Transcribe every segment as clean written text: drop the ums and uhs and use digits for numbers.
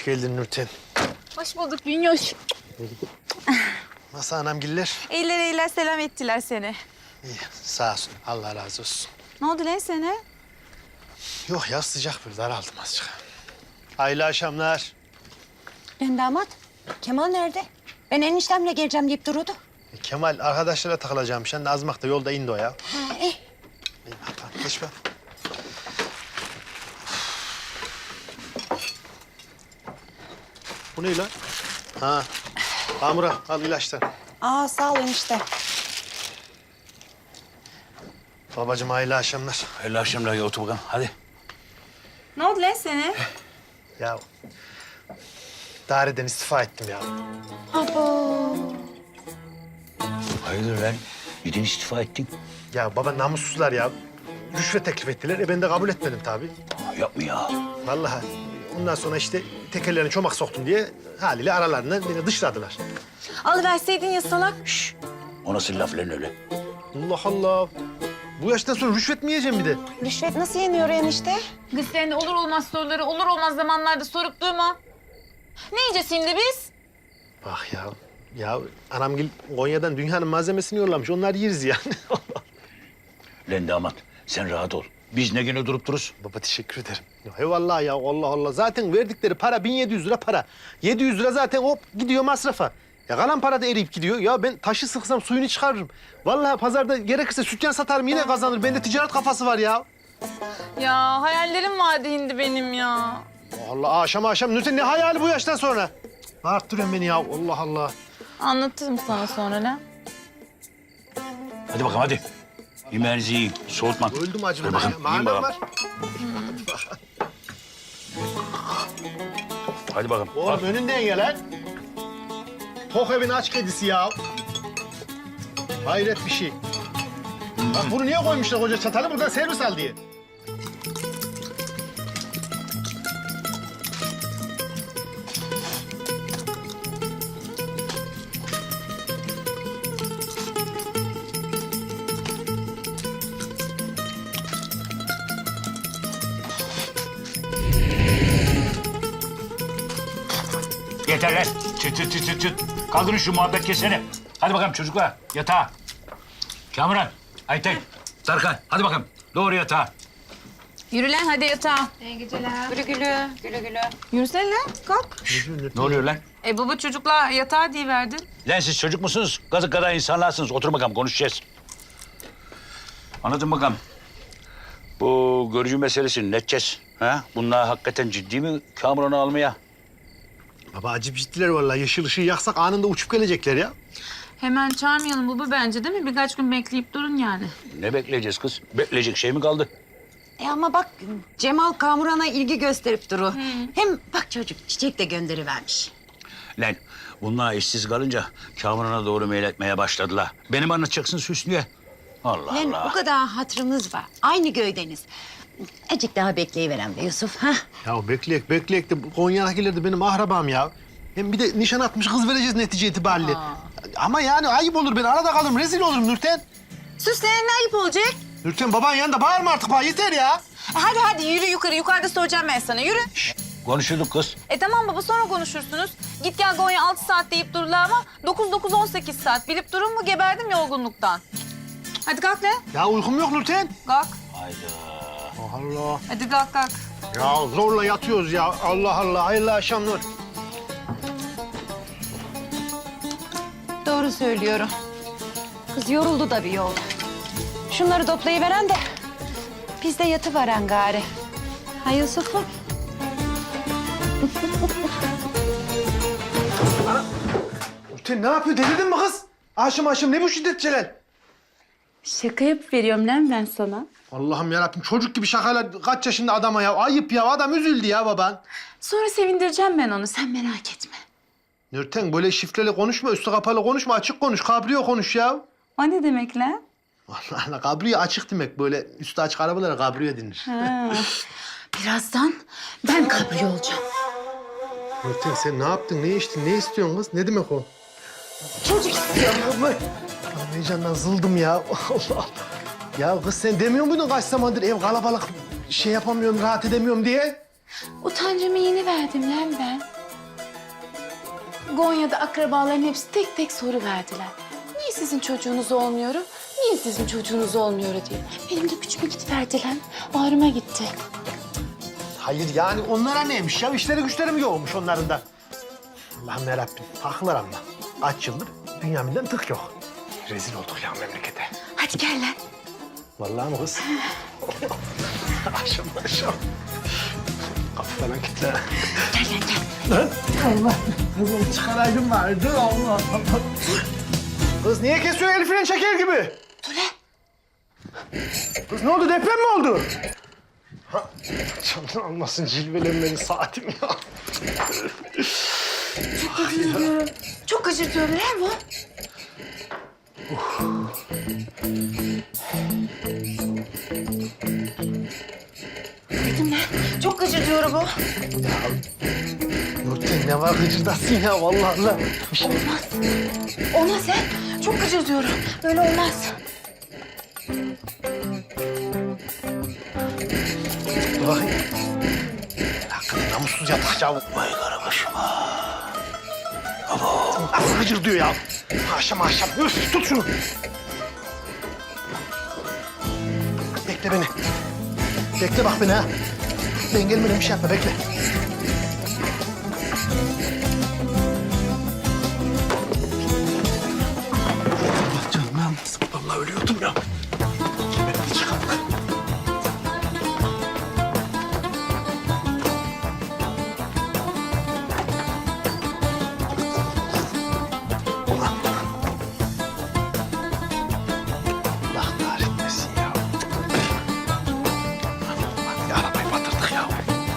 Hoş geldin Nurten. Hoş bulduk Bünyoş. Nasıl anamgiller? İyiler selam ettiler seni. İyi, sağ olsun. Allah razı olsun. Ne oldu lan sana? Yok ya, sıcak bir daraldım azıcık. Hayırlı akşamlar. Ben damat. Kemal nerede? Ben eniştemle geleceğim deyip duruyordu. Kemal arkadaşlara takılacağım. Sen de azmakta yolda indi o ya. Ha, iyi. İyi bakalım, geç bak. Bu ne lan? Ha, Amura al ilaçlar. Aa sağ ol enişte. Babacığım hayırlı akşamlar. Hayırlı akşamlar ya, otur bakalım. Hadi. Ne oldu lan sana? Ya daireden istifa ettim ya. Abo. Hayırdır lan? Neden istifa ettin? Ya baba namussuzlar ya. Rüşvet teklif ettiler. Ben de kabul etmedim tabii. Yapma ya. Vallahi ondan sonra işte tekerlerine çomak soktum diye haliyle aralarından beni dışladılar. Alıverseydin ya salak. O nasıl laf lan öyle? Allah Allah. Bu yaştan sonra rüşvet mi yiyeceğim bir de? Rüşvet nasıl yeniyor enişte? Kız sen de olur olmaz soruları olur olmaz zamanlarda sorup durma. Ne yiyeceğiz şimdi biz? Bak ya. Ya anamgil Konya'dan dünyanın malzemesini yollamış. Onlar yeriz yani. Lan damat, sen rahat ol. Biz ne güne durup dururuz? Baba teşekkür ederim. Ya, eyvallah ya, Allah Allah. Zaten verdikleri para 1700 lira para. 700 lira zaten hop gidiyor masrafa. Ya kalan para da eriyip gidiyor. Ya ben taşı sıksam suyunu çıkarırım. Vallahi pazarda gerekirse sütyen satarım yine kazanır. Bende ticaret kafası var ya. Ya hayallerim vardı hindi benim ya. Allah akşam Nurten ne hayali bu yaştan sonra? Bağırttırıyorsun beni ya, Allah Allah. Anlatırım sana sonra lan. Hadi bakalım hadi. Yemeğinizi yiyin, soğutma. Öldüm acımdan Ver bakalım, ya. yiyin Madem bakalım. var. Hadi bakalım. Oğlum Al. önünden gel lan. Tok evin aç kedisi ya. Hayret bir şey. Bak bunu niye koymuşlar koca çatalı? Buradan servis al diye. Yeter lan. Çıt. Kaldırın şu muhabbet keseni. Hadi bakalım çocuklar, yatağa. Kamuran, Ayten, Tarkan, hadi bakalım. Doğru yatağa. Yürü lan hadi yatağa. Gülü gülü, gülü gülü. Yürüsene lan kalk. Ne oluyor lan? Baba çocukla yatağa diye verdin. Lan siz çocuk musunuz? Kazık kadar insanlarsınız. Otur bakalım, konuşacağız. Anladın bakalım. Bu görücü meselesini ne edeceğiz? Ha? Bunlar hakikaten ciddi mi Kamuran'ı almaya? Baba acip ciddiler vallahi. Yeşil ışığı yaksak anında uçup gelecekler ya. Hemen çağırmayalım baba bence değil mi? Birkaç gün bekleyip durun yani. Ne bekleyeceğiz kız? Bekleyecek şey mi kaldı? Ama bak Cemal Kamuran'a ilgi gösterip duru. Hem bak çocuk çiçek de gönderivermiş. Lan bunlar işsiz kalınca Kamuran'a doğru meyletmeye başladılar. Benim anlatacaksın Hüsnü'ye. Allah Lan Allah. o kadar hatırımız var. Aynı göydeniz. Azıcık daha bekleyiverem be Yusuf. Ha? Ya bekleyek de bu Konya'dakiler de benim ahrabam ya. Hem bir de nişan atmış kız vereceğiz netice itibariyle. Ama yani ayıp olur, ben arada kalırım, rezil olurum Nurten. Sus lan ne ayıp olacak? Nurten baban yanında bağırma artık bana, yeter ya. Hadi yürü yukarı. Yukarıda soracağım ben sana. Yürü. Konuşurduk kız. Tamam baba sonra konuşursunuz. Git gel Gonya 6 saat deyip dururlar ama 9-9-18 saat. Bilip durun mu geberdim yorgunluktan. Hadi kalk lan. Ya uykum yok Nurten. Kalk. Hayda. Allah. Hadi kalk. Ya zorla yatıyoruz ya. Allah Allah. Hayırlı akşamlar. Doğru söylüyorum. Kız yoruldu da bir yol. Şunları toplayıveren de biz de yatıveren gari. Ha Yusuf'um? Nurten ne yapıyor? Delirdin mi kız? Aşım ne bu şiddet Celal? Şaka yapıp veriyorum lan ben sana. Allah'ım yarabbim, çocuk gibi şakalar kaç yaşında adama ya. Ayıp ya, adam üzüldü ya baban. Sonra sevindireceğim ben onu sen merak etme. Nurten böyle şifreli konuşma, üstü kapalı konuşma, açık konuş, kabriyo konuş ya. O ne demek lan? Allah Allah, kabriyo açık demek, böyle üstü açık arabalara kabriyo denir. Birazdan ben kabri olacağım. Nurten sen ne yaptın, ne içtin, ne istiyorsun kız? Ne demek o? Çocuk istiyorum. Allah'ım, heyecandan zıldım ya. Allah Allah. Ya kız sen demiyor muydun kaç zamandır ev kalabalık, şey yapamıyorum, rahat edemiyorum diye? Utancımı yeni verdim lan ben. Gonya'da akrabaların hepsi tek tek soru verdiler. Niye sizin çocuğunuz olmuyorum? Niye sizin çocuğunuz olmuyor diye. Benim de gücüme gidiverdi lan. Ağrıma gitti. Hayır yani onlara neymiş ya? İşleri güçleri mi yoğunmuş onların da? Allah'ım yarabbim. Haklılar ama. Kaç yıldır Bünyamin'den tık yok. Rezil olduk ya memlekete. Hadi gel lan. Vallahi mi kız? Aşam. Kapı falan kitle. Gel lan gel. Lan Allah. Kızım çıkaraydım vardı. Allah Allah. Kız niye kesiyor el freni çeker gibi? Dur lan. Kız ne oldu? Deprem mi oldu? Ha, canın almasın cilvelenmeni saatim ya. Çok acıtıyor lan bu. Dedim lan. Çok acıtıyor bu. Nurten ne var gıcırdasın ya vallahi Allah. Bir şey Olmaz. Olmaz lan. Çok acıtıyor. Böyle olmaz. dur bakayım. Hakikaten namussuz yatak ya. Vay karabaşıma. Nasıl gıcır diyor ya. Haşam. Üf tut şunu. Bekle beni. Bekle bak beni ha. Ben gelmeden bir şey yapma bekle. Allah canım almasın. Vallahi ölüyordum ya. Kemerimi çıkarma. Allah kahretmesin ya. Ya arabayı batırdık ya.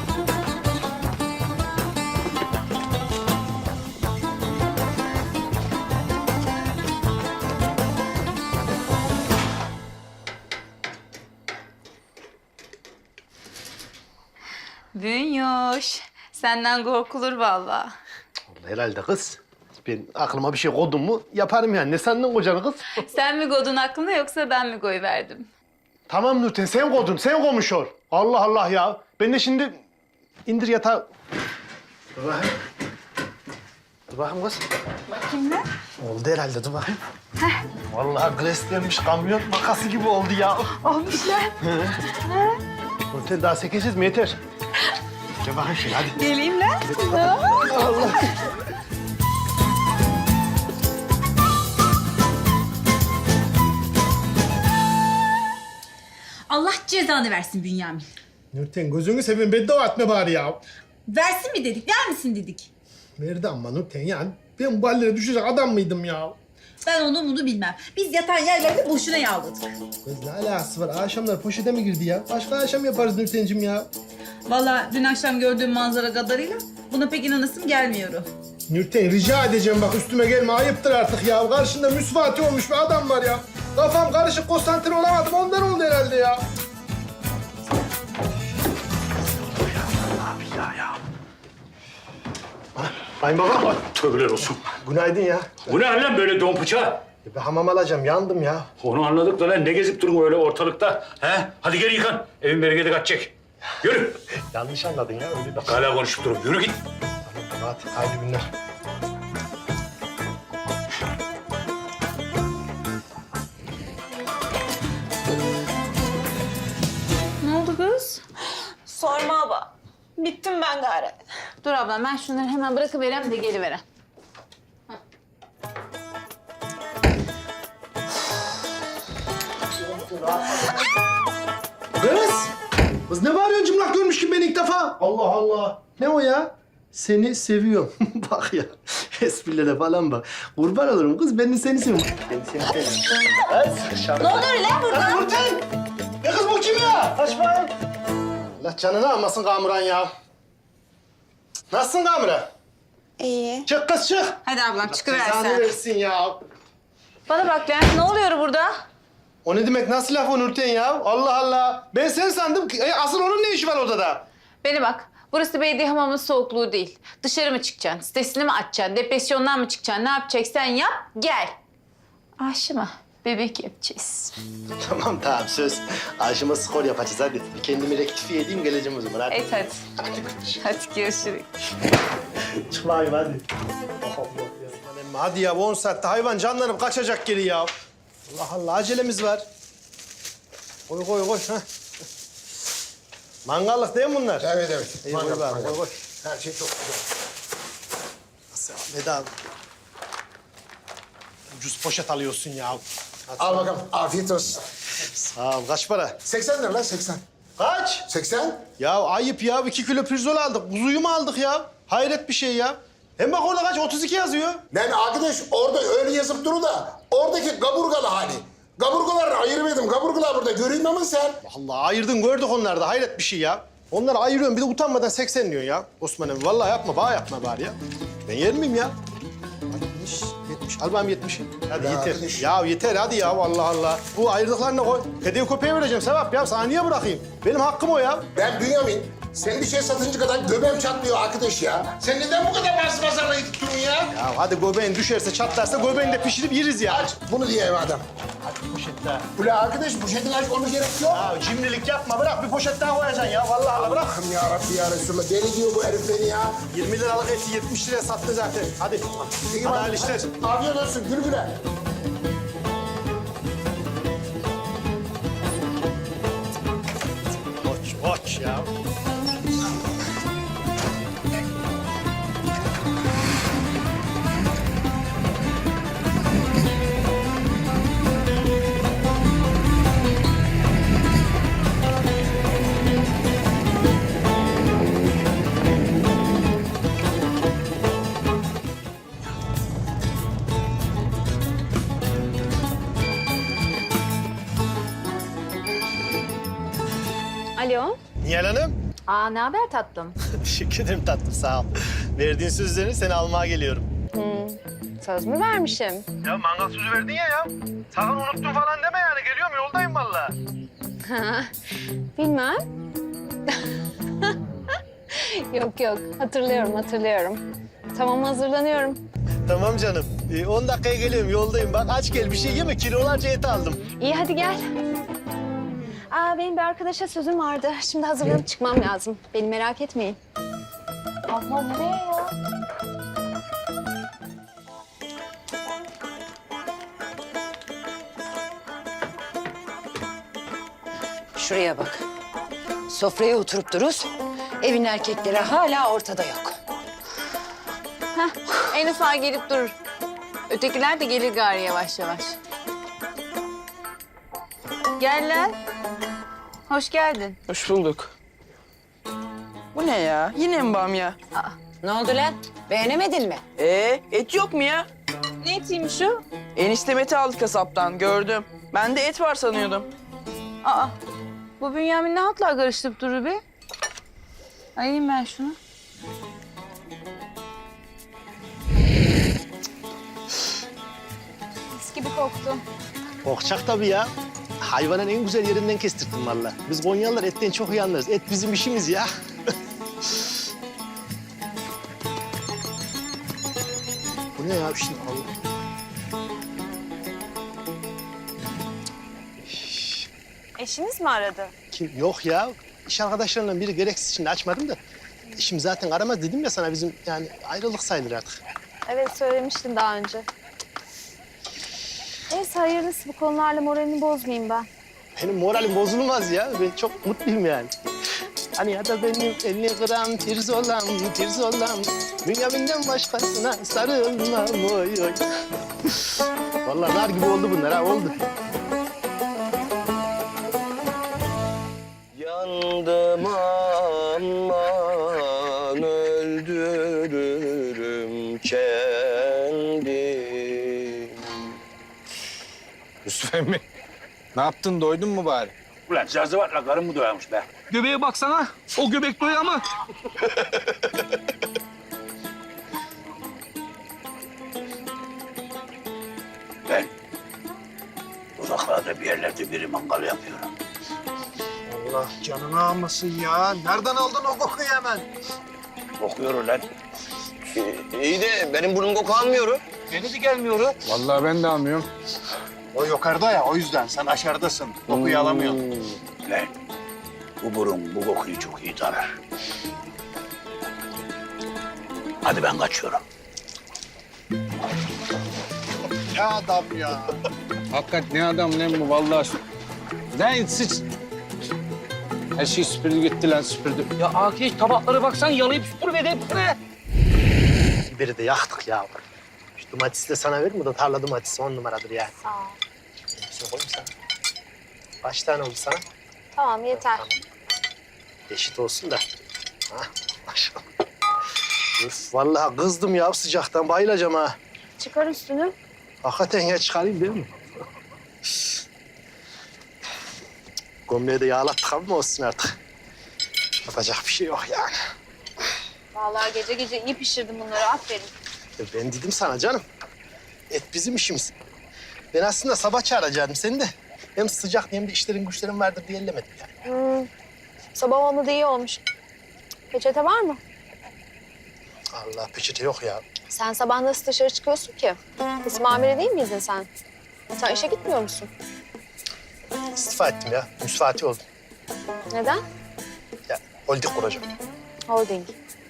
Bünyoş. Senden korkulur vallahi. Vallahi herhalde kız. Ben aklıma bir şey koydum mu yaparım yani. Ne sandın kocanı kız? Sen mi godun aklına yoksa ben mi koy verdim? Tamam Nurten sen koydun. Sen koymuş ol. Allah Allah ya. Ben de şimdi indir yatağı. Dur bakayım. Dur bakayım kız. Bakayım ne? Oldu herhalde dur bakayım. Vallahi greslenmiş kamyon makası gibi oldu ya. Olmuş lan. Nurten daha sekeceğiz mi yeter? Gel bakayım şöyle hadi. Geleyim lan. Allah. Allah cezanı versin Bünyamin. Nurten gözünü seveyim beddua etme bari ya. Versin mi dedik, vermesin dedik. Verdi ama Nurten yani. Ben bu hallere düşecek adam mıydım ya? Ben onu bunu bilmem. Biz yatan yerlerde boşuna yağladık. Kız ne alakası var? Akşamlar poşete mi girdi ya? Başka akşam yaparız Nurten'cim ya. Vallahi dün akşam gördüğüm manzara kadarıyla buna pek inanasım gelmiyor. Nurten rica edeceğim bak üstüme gelme ayıptır artık ya. Karşında müsvati olmuş bir adam var ya. Kafam karışık konsantre olamadım ondan oldu herhalde ya. Abi ya. Kayınbaba. Tövbeler olsun. Günaydın ya. Bu ne lan böyle don bıçağı? Bir hamam alacağım yandım ya. Onu anladık da lan ne gezip durun öyle ortalıkta? He? Hadi gel yıkan. Evin bereketi kaçacak. Yürü. Yanlış anladın ya öyle bak. Hala konuşup durun. Yürü git. Hadi hayırlı günler. Ne oldu kız? Sorma abla. Bittim ben gari. Dur ablam ben şunları hemen bırakıverem de geliverem. Kız! Kız ne bağırıyorsun cımlak görmüş gibi beni ilk defa? Allah Allah. Ne o ya? Seni seviyorum. Bak ya. Esprilere falan bak. Kurban olurum kız. Ben de seni seviyorum. Ben de seni seviyorum. Ne oluyor lan burada? Nurten! Ya kız bu kim ya? Açma. Allah canını almasın Kamuran ya. Nasılsın Kamuran? İyi. Çık kız çık. Hadi ablam çıkıver Cezanı sen. versin ya. Bana bak lan ne oluyor burada? O ne demek? Nasıl laf o Nurten ya? Allah Allah. Ben sen sandım. Asıl onun ne işi var odada? Beni bak. Burası belediye hamamının soğukluğu değil. Dışarı mı çıkacaksın? Sitesini mi açacaksın? Depresyondan mı çıkacaksın? Ne yapacaksan yap, gel. Aşı mı? bebek yapacağız. Tamam söz. Aşıma skor yapacağız hadi. Kendimi rektifiye edeyim geleceğim o zaman hadi. Evet hadi. Hadi görüşürüz. Çıkmayayım hadi. Hadi ya 10 saatte hayvan canlanıp kaçacak geri ya. Allah Allah acelemiz var. Koy. Ha. Mangallık değil mi bunlar? Evet. İyi koy bari, koy. Her şey çok güzel. Nasıl ya? Veda. Ucuz poşet alıyorsun ya. Hadi. Al bakalım. Afiyet olsun. Sağ ol. Kaç para? 80 lira lan 80. Kaç? 80? Ya ayıp ya. 2 kilo pirzol aldık. Kuzuyu mu aldık ya? Hayret bir şey ya. Hem bak orada kaç? 32 yazıyor. Ben arkadaş orada öyle yazıp duru da oradaki kaburgalı hali. Kaburgaları ayırmadım. Kaburgalar burada. Göreyim ama sen. Allah ayırdın gördük onları da. Hayret bir şey ya. Onları ayırıyorum bir de utanmadan 80 diyorsun ya. Osman abi vallahi yapma. Bana yapma bari ya. Ben yer miyim ya? 60, 70. Al bana 70'i. Hadi Ya yeter. arkadaş. Ya yeter hadi ya Allah Allah. Bu ayırdıklarını koy. Hediye köpeğe vereceğim Sevap ya. Sana niye bırakayım? Benim hakkım o ya. Ben Bünyamin. Sen bir şey satınca kadar göbeğim çatlıyor arkadaş ya. Sen neden bu kadar bas pazarla gittin ya? Ya hadi göbeğin düşerse çatlarsa göbeğini de pişirip yeriz ya. Aç bunu diye adam. Hadi poşet daha. Ula arkadaş bu şeyden aç onu gerek yok. Ya cimrilik yapma bırak bir poşet daha koyacaksın ya. Vallahi Allah bırak. Allah'ım ya Rabbi ya Resulallah. Deli diyor bu herif beni ya. 20 liralık eti 70 liraya sattı zaten. Hadi. İyi Hadi bak, hayırlı işler. Afiyet olsun gül güle. Koç ya. Alo. Nihal Hanım. Aa, ne haber tatlım? Teşekkür ederim tatlım sağ ol. Verdiğin sözlerini seni almaya geliyorum. Söz mü vermişim? Ya mangal sözü verdin ya. Sakın unuttun falan deme yani. Geliyorum yoldayım vallahi. Bilmem. Yok. Hatırlıyorum. Tamam, hazırlanıyorum. Tamam canım. 10 dakikaya geliyorum yoldayım. Bak aç gel bir şey yeme kilolarca et aldım. İyi, hadi gel. Benim bir arkadaşa sözüm vardı. Şimdi hazırlanıp çıkmam lazım. Beni merak etmeyin. Abla nereye ya? Şuraya bak. Sofraya oturup duruz. Evin erkekleri hala ortada yok. En ufağı gelip durur. Ötekiler de gelir gari yavaş yavaş. Gel lan. Hoş geldin. Hoş bulduk. Bu ne ya? Yine mi bamya? Ne oldu lan? Beğenemedin mi? Et yok mu ya? Ne etiymiş o? Eniştem eti aldı kasaptan, gördüm. Ben de et var sanıyordum. Aa, bu Bünyamin ne hatlar karıştırıp durur be? Ayayım ben şunu. Mis gibi koktu. Korkacak tabii ya. Hayvanın en güzel yerinden kestirdim vallahi. Biz Konyalılar etten çok iyi anlarız. Et bizim işimiz ya. Bu ne ya şimdi Allah. Eşiniz mi aradı? Kim? Yok ya. İş arkadaşlarından biri gereksiz şimdi açmadım da. Eşim zaten aramaz dedim ya sana bizim yani ayrılık sayılır artık. Evet, söylemiştin daha önce. Neyse, hayırlısı. Bu konularla moralini bozmayayım ben. Benim moralim bozulmaz ya. Ben çok mutluyum yani. Hani ya da benim 50 gram tirzolam. Bünyamin'den başkasına sarılmam oy oy. Vallahi nar gibi oldu bunlar ha oldu. Yandım aman öldürürüm kendim. Yusuf emmi, ne yaptın? Doydun mu bari? Ulan zazıvatla karın mı doyarmış be? Göbeğe baksana. O göbek doyar mı? Ben uzaklarda bir yerlerde biri mangal yapıyorum. Allah canını almasın ya. Nereden aldın o kokuyu hemen? Kokuyor ulan. İyi de benim burnum koku almıyor. Beni de gelmiyor. Vallahi ben de almıyorum. O yukarıda ya, o yüzden sen aşağıdasın. Kokuyu alamıyorsun. Lan bu burun bu kokuyu çok iyi tarar. Hadi ben kaçıyorum. Ya adam ya. Hakikat ne adam lan bu vallahi. Lan sıç. Her şey süpürdü gitti lan süpürdü. Ya Akif tabaklara baksan yalayıp süpürmedi hepsine. Biberi de yaktık ya. Şu domatesi de sana verir mi? Da tarla domatesi 10 numaradır yani. Sağ ol. Hepsini koyayım sana. Kaç tane oldu sana? Tamam yeter. Eşit olsun da. Ha, maşallah. Üf, vallahi kızdım ya sıcaktan bayılacağım ha. Çıkar üstünü. Hakikaten ya çıkarayım değil mi? Gömleği de yağlattık ama olsun artık. Yapacak bir şey yok yani. Vallahi gece gece iyi pişirdim bunları. Aferin. Ben dedim sana canım. Et bizim işimiz. Ben aslında sabah çağıracaktım seni de. Hem sıcak hem de işlerin güçlerin vardır diye ellemedim yani. Sabah olmadı iyi olmuş. Peçete var mı? Allah peçete yok ya. Sen sabah nasıl dışarı çıkıyorsun ki? İsim amiri değil miydin sen? Sen işe gitmiyor musun? İstifa ettim ya. Müsfati oldum. Neden? Ya holding kuracağım. Holding.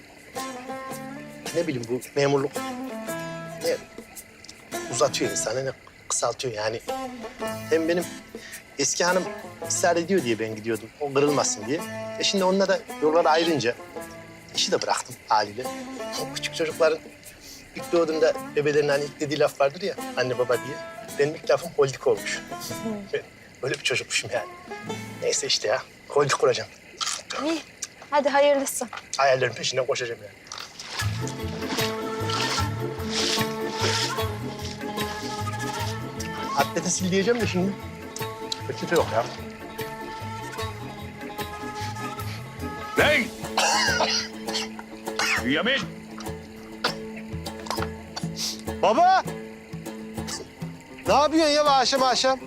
Ne bileyim bu memurluk ne uzatıyor insanı ne kısaltıyor yani. Hem benim eski hanım ısrar ediyor diye ben gidiyordum. O kırılmasın diye. Şimdi onunla da yollar ayrınca işi de bıraktım haliyle. O küçük çocukların ilk doğduğunda bebelerinin hani ilk dediği laf vardır ya anne baba diye. Benim ilk lafım holding olmuş. Ben böyle bir çocukmuşum yani. Neyse işte ya holding kuracağım. İyi. Hadi hayırlısı. Hayallerin peşinden koşacağım yani. Atlete sil diyeceğim de şimdi. Peçete yok ya. Lan! Bünyamin! Baba! Ne yapıyorsun ya akşam akşam?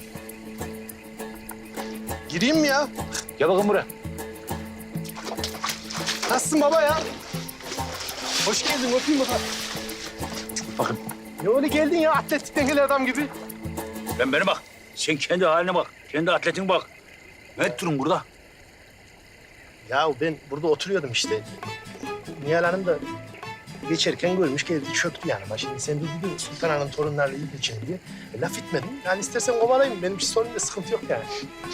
Gireyim mi ya? Gel bakın buraya. Nasılsın baba ya? Hoş geldin, oturayım bakalım. Bakın. Ne öyle geldin ya atletikten gelen adam gibi? Lan bana bak. Sen kendi haline bak. Kendi atletine bak. Ne ettin burada? Ya ben burada oturuyordum işte. Nihal Hanım da geçerken görmüş geldi çöktü yanıma. Şimdi sen de dedin Sultan Hanım torunlarla iyi geçin diye. Laf etmedim. Yani istersen kovalayayım. Benim hiç sorunumda sıkıntı yok yani.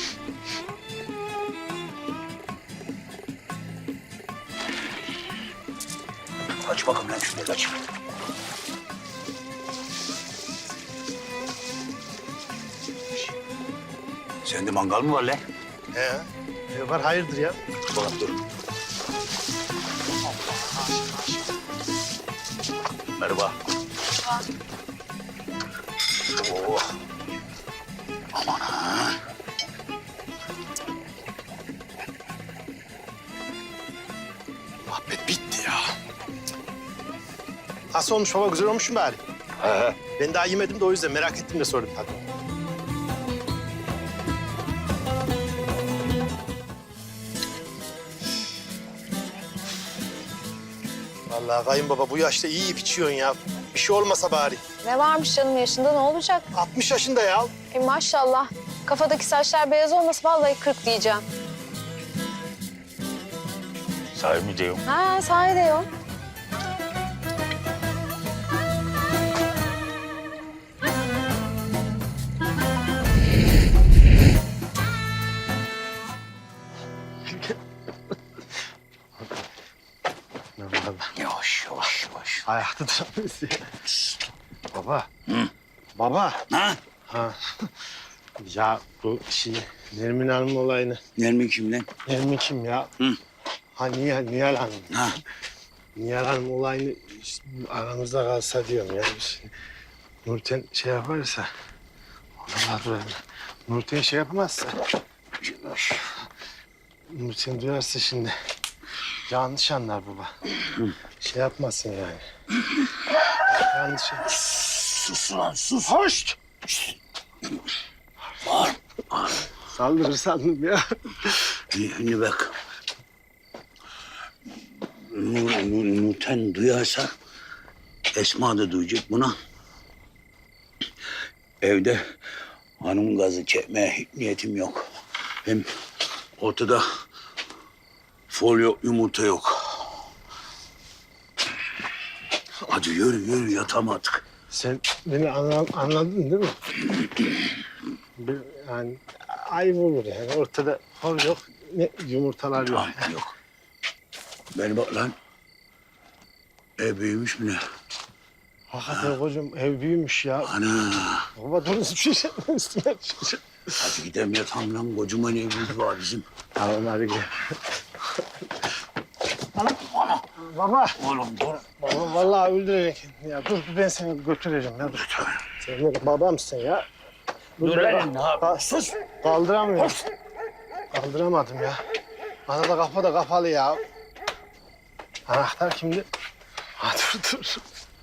Kaç bakalım lan şuraya kaç. Sende mangal mı var lan? Var hayırdır ya? Bakalım dur. Merhaba. Oo. Aman ha. Muhabbet bitti ya. Nasıl olmuş baba? Güzel olmuş mu bari? He. Ben daha yemedim de o yüzden merak ettim de sordum tabii. Vallahi kayınbaba bu yaşta iyi yiyip içiyorsun ya. Bir şey olmasa bari. Ne varmış canım yaşında ne olacak? 60 yaşında ya. Maşallah. Kafadaki saçlar beyaz olması vallahi 40 diyeceğim. Sahibi mi diyorum? Ha sahi de yok. Yavaş yavaş yavaş. Ayakta duramıyorsun ya. Baba. Baba. Ha? Ha. Ya bu Nermin Hanım olayını. Nermin kim lan? Nermin kim ya? Hı. Ha Nihal Hanım. Ha? Nihal Hanım olayını işte aramızda kalsa diyorum ya. Nurten şey yaparsa. Allah Nurten şey yapmazsa. Nurten duyarsa şimdi yanlış anlar baba. Şey yapmasın yani. Yanlış. Sus lan sus. Hoş. Saldırır sandım ya. Şimdi bak. Nurten duyarsa Esma da duyacak buna. evde hanım gazı çekmeye hiç niyetim yok. Hem ortada folyo yumurta yok. Hadi yürü yatamadık. Sen beni anladın değil mi? Yani ayıp olur yani. Ortada hor yok, ne yumurtalar yok. Yok. Beni bak lan. Ev büyümüş mü ne? Hakikaten kocam ev büyümüş ya. Ana. Baba dur üstüne üstüne. Hadi gidelim yatalım lan. Kocaman evimiz var bizim. Tamam hadi gel. Ana. Baba. Oğlum dur. Baba vallahi öldürecek. Ya dur ben seni götüreceğim ya dur. Sen benim babamsın ya. Dur lan. Ne yapıyorsun? Sus. Kaldıramıyorum. Kaldıramadım ya. Bana da kapı da kapalı ya. Anahtar kimdi? Ha dur.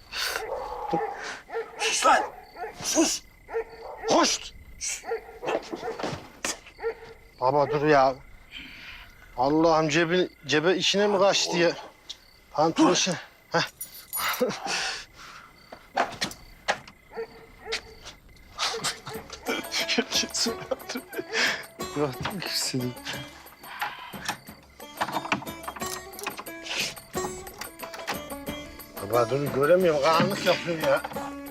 Sus lan. Sus. Hoş. Baba dur ya. Allah'ım cebe içine mi kaçtı ya? Pantolon işi. Heh. Yok ikisini. Baba dur göremiyorum. Karanlık yapıyor ya.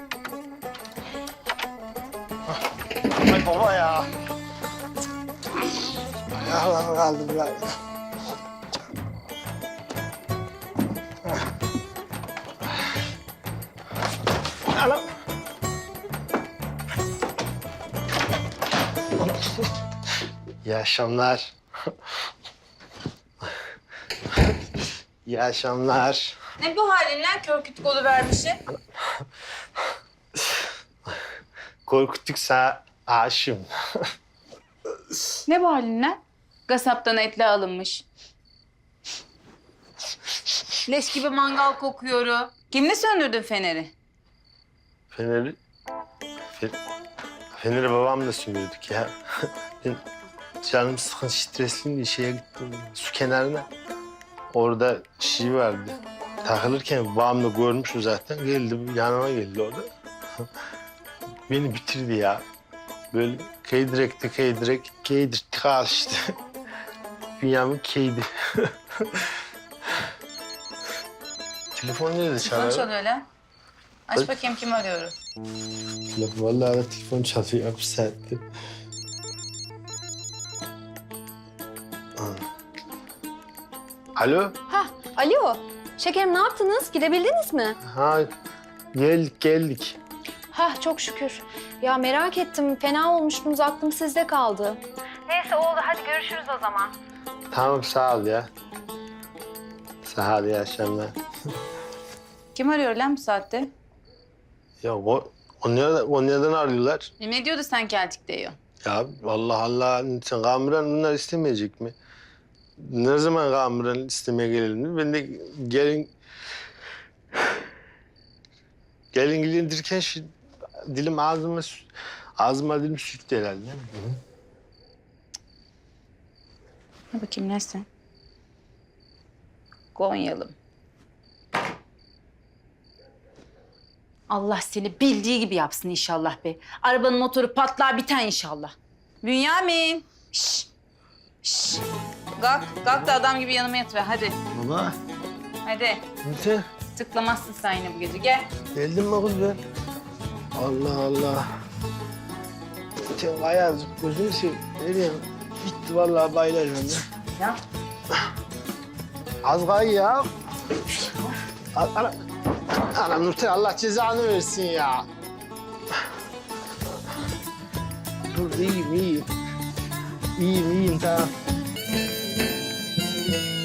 Ay baba ya. Ayağlarım kaldı biraz. Anam. İyi akşamlar. İyi akşamlar. Ne bu halin lan kör kütük vermişsin? Korkuttuksa aşığım. Ne bu halin lan? Gasaptan etle alınmış. Leş gibi mangal kokuyor. Kimle söndürdün feneri? Feneri babamla söndürdük ya. Ben canım sıkın stresliyim diye şeye gittim. Su kenarına. Orada şey vardı. Takılırken babam da görmüştü zaten. Geldi yanıma geldi orada. Beni bitirdi ya. Böyle keydirtti işte. Dünyamın keydi. Telefon nerede çalıyor? Telefon çalıyor lan. Aç bakayım kim arıyor. Vallahi da telefon çalıyor bir saatte. Alo? Alo. Şekerim ne yaptınız? Gidebildiniz mi? Ha geldik. Hah çok şükür. Ya merak ettim. Fena olmuştunuz. Aklım sizde kaldı. Neyse oldu. Hadi görüşürüz o zaman. Tamam sağ ol ya. Sağ ol iyi akşamlar. Kim arıyor lan bu saatte? Ya o nereden arıyorlar? Ne diyordu sen geldik diyor. Ya vallahi Allah sen Kamuran bunlar istemeyecek mi? Ne zaman Kamuran istemeye gelelim? Ben de gelin gilindirken şu dilim ağzıma dilim sürttü herhalde. Hı? Ne bakayım nesin? Gonyalım. Allah seni bildiği gibi yapsın inşallah be. Arabanın motoru patlar biten inşallah. Bünyamin. Şş. Şş. Kalk da adam gibi yanıma yatıver hadi. Baba. Hadi. Nite? Tıklamazsın sen yine bu gece. Gel. Geldim mi kız ben? Allah Allah. Sen ayazık gözünü seveyim. Nereye? Bitti vallahi bayılacağım ya. Ya. Az kay ya. Anam Nurten Allah cezanı versin ya. Dur iyiyim. İyiyim tamam.